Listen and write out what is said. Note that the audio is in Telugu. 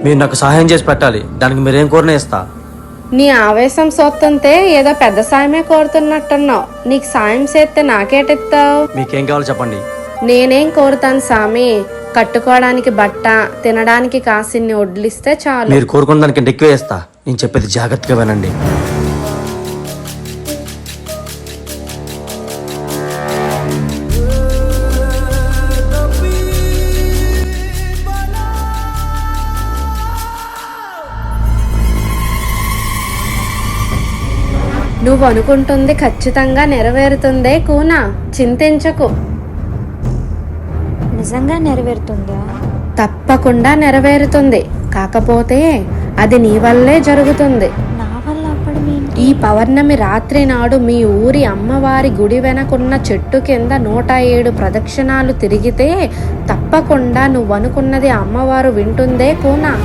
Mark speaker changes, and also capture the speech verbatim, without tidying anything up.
Speaker 1: మీరు నాకు సహాయం చేసి పెట్టాలి, దానికి మీరేం కోరినా ఇస్తా.
Speaker 2: నీ ఆవేశం సొత్తుంటే ఏదో పెద్ద సాయమే కోరుతున్నట్టున్నావు. నీకు సాయం చేస్తే నాకేటిస్తావు?
Speaker 1: మీకేం కావాలో చెప్పండి.
Speaker 2: నేనేం కోరుతాను సామి, కట్టుకోవడానికి బట్ట, తినడానికి కాసిన్ని వడ్లిస్తే చాలు.
Speaker 1: మీరు కోరుకున్న దానికి ఎక్కువ ఇస్తా. నేను చెప్పేది జాగ్రత్తగా వినండి.
Speaker 2: నువ్వు అనుకుంటుంది ఖచ్చితంగా నెరవేరుతుందే కూనా, చింతించకు.
Speaker 3: నిజంగా నెరవేరుతుందా?
Speaker 2: తప్పకుండా నెరవేరుతుంది. కాకపోతే అది నీ వల్లే జరుగుతుంది.
Speaker 3: నా వల్ల అవ్వడం ఏంటి?
Speaker 2: ఈ పౌర్ణమి రాత్రి నాడు మీ ఊరి అమ్మవారి గుడి వెనకున్న చెట్టు కింద నూట ఏడు ప్రదక్షిణాలు తిరిగితే తప్పకుండా నువ్వు అనుకున్నది అమ్మవారు వింటుందే కూనా.